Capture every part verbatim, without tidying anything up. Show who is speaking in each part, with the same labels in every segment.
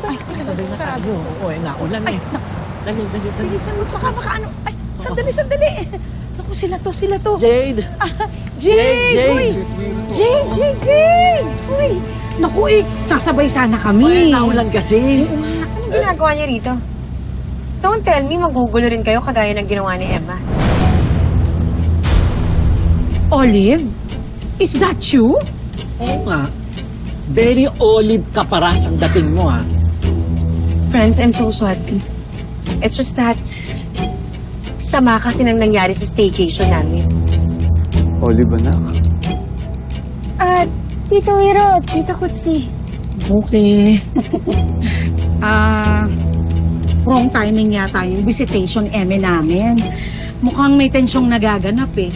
Speaker 1: Ay, sabi na sa iyo. Oo, eh, naulan eh. Dali, dali, dali.
Speaker 2: Bilisan mo, baka makaano. Ay, sandali, sandali. Naku, sila to, sila to.
Speaker 1: Jade!
Speaker 2: Ah, Jade! Uy! Jade, Jade, Jade! Uy! Naku, eh, sasabay sana
Speaker 1: Ay,
Speaker 2: kami.
Speaker 1: naulan kasi.
Speaker 3: Anong ginagawa niyo rito? Don't tell me magugulo rin kayo kagaya ng ginawa ni Emma.
Speaker 2: Olive? Is that you?
Speaker 1: Oo nga. Very olive ka paras ang dating mo, ha?
Speaker 3: Friends, I'm so sorry. It's just that sama kasi nang nangyari sa staycation namin.
Speaker 4: Olive, anak.
Speaker 5: Ah, Tito Wiro, Tita Kutsi.
Speaker 1: Okay.
Speaker 2: Ah, wrong timing yata yung visitation eme namin. Mukhang may tensyong nagaganap eh.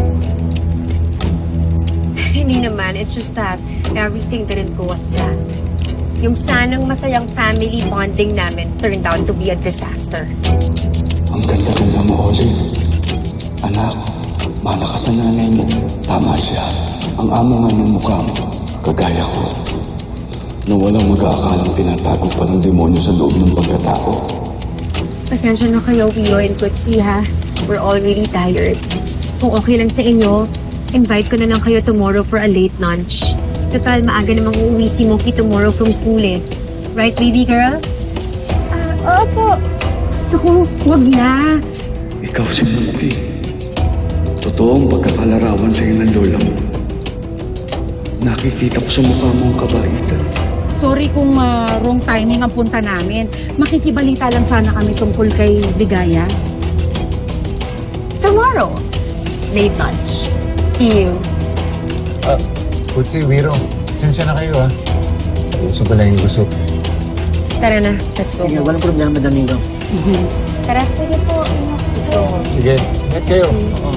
Speaker 3: Hindi naman, it's just that everything didn't go as planned. Yung sanang masayang family bonding namin turned out to be a disaster.
Speaker 6: Ang ganda-ganda mo, Olive. Anak, mana ka sa nanay mo. Tama siya. Ang amo nga ng mukha mo, kagaya ko. Na walang mag-aakalang tinatago pa ng demonyo sa loob ng pagkatao.
Speaker 3: Pasensya na kayo, Wio and Kutsi, ha? We're all really tired. Kung okay lang sa inyo, invite ko na lang kayo tomorrow for a late lunch. Total, maaga namang uuwi si Moki tomorrow from school eh. Right, baby girl?
Speaker 5: Ah, opo.
Speaker 2: Naku, wag na.
Speaker 4: Ikaw si Muki. Totoong pagkakalarawan sa'yo ng lola mo. Nakikita ko sa mukha mo ang kabaitan.
Speaker 2: Sorry kung ah, wrong timing ang punta namin. Makikibalita lang sana kami tungkol kay Ligaya.
Speaker 3: Tomorrow. Late lunch. See you.
Speaker 7: Ah, Kutsi, Wiro. Sensya na kayo, ah. Gusto pala yung gusto.
Speaker 3: Tara na, let's go.
Speaker 1: Sige, walang problema, Danilo.
Speaker 5: Tara, sige po.
Speaker 3: Let's go.
Speaker 7: Sige, ingat kayo. Oo.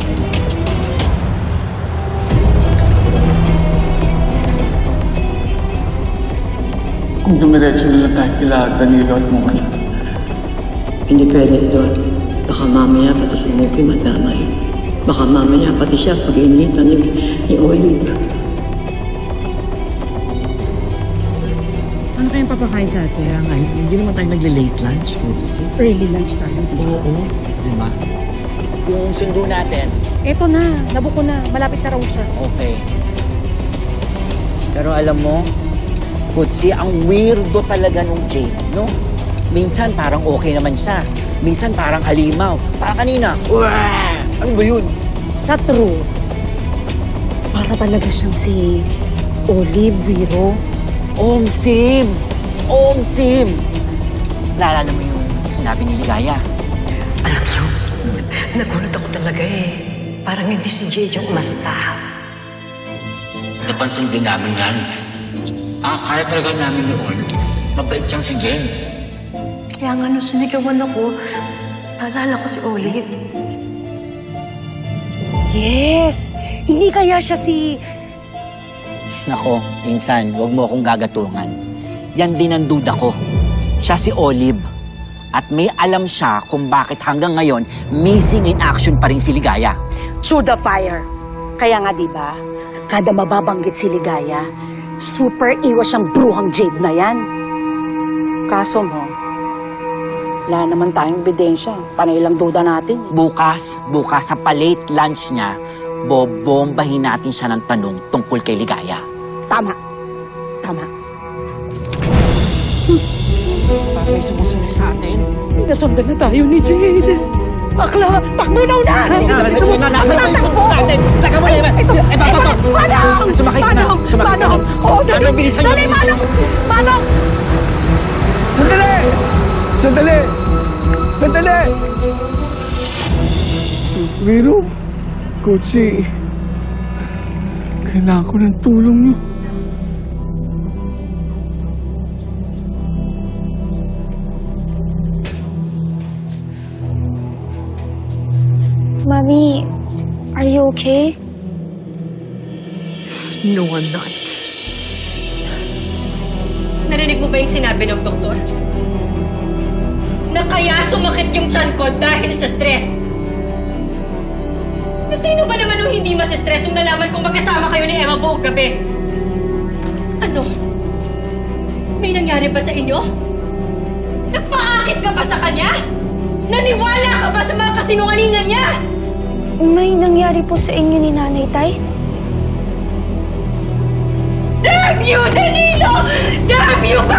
Speaker 6: Kung dumiretso na lang tayo kila Danilo at Muki.
Speaker 8: Hindi pwede doon. Baka mamaya pati si Muki madamay. Baka mamaya pati siya pag-initan ni, ni Olive.
Speaker 2: Ano kayong papakain sa atin?
Speaker 1: Kaya nga, hindi naman tayo nagle-late lunch, Kutsi.
Speaker 2: Early lunch tayo, di ba?
Speaker 1: Oo, di ba? Yung sundo natin,
Speaker 2: Eto na, nabuko na. Malapit na raw siya.
Speaker 1: okay. Pero alam mo, Kutsi, ang weirdo talaga nung Jade, no? Minsan parang okay naman siya. Minsan parang halimaw. Parang kanina, Uwah! Ano ba yun?
Speaker 2: Sa true, para talaga siyang si Olive Wiro.
Speaker 1: Om Sim! Om Sim! Naalala mo yung sinabi ni Ligaya?
Speaker 8: Alam niyo, nagulat ako talaga eh. Parang hindi si Jade yung umasta.
Speaker 9: Napansin din namin yan. Ah, kaya talaga namin noon. Mabait siyang si Jen.
Speaker 8: Kaya nga nung sinigawan ako, naalala ko si Olive.
Speaker 2: Yes! Hindi kaya siya si...
Speaker 1: Nako, insan, huwag mo akong gagatungan. Yan din ang duda ko. Siya si Olive. At may alam siya kung bakit hanggang ngayon missing in action pa rin si Ligaya.
Speaker 2: Through the fire. Kaya nga, di ba? Kada mababanggit si Ligaya, super iwas siyang bruhang Jade na yan. Kaso mo, wala naman tayong ebidensya. Panay lang duda natin.
Speaker 1: Bukas, bukas sa palate lunch niya, bobombahin natin siya ng tanong tungkol kay Ligaya.
Speaker 2: Tama. Tama.
Speaker 1: Parang may sumusunod sa atin.
Speaker 2: Nasundan na tayo ni Jade. Akla, takbo na una!
Speaker 1: Sumunod na natin. Takbo natin. Taka mo na yun. Ito, ito, ito.
Speaker 2: Manong!
Speaker 1: Sumakit ka na. Sumakit ka na.
Speaker 2: Oo, dali.
Speaker 1: Manong, bilisan niyo.
Speaker 2: Dali, Manong! Manong!
Speaker 4: Sandali! Sandali! Sandali! Wiro, Kutsi, kailangan ko ng tulong niyo.
Speaker 5: Mami, are you okay?
Speaker 8: No, I'm not.
Speaker 3: Narinig mo ba yung sinabi ng doktor? Na kaya sumakit yung tiyan ko dahil sa stress. Na sino ba naman yung hindi mas-stress nung nalaman kong magkasama kayo ni Emma buong gabi? Ano?
Speaker 10: May nangyari ba sa inyo? Nagpaakit ka ba sa kanya? Naniwala ka ba sa mga kasinungalingan niya?
Speaker 5: May nangyari po sa inyo ni Nanay, Tay?
Speaker 10: Damn you, Danilo! Damn you,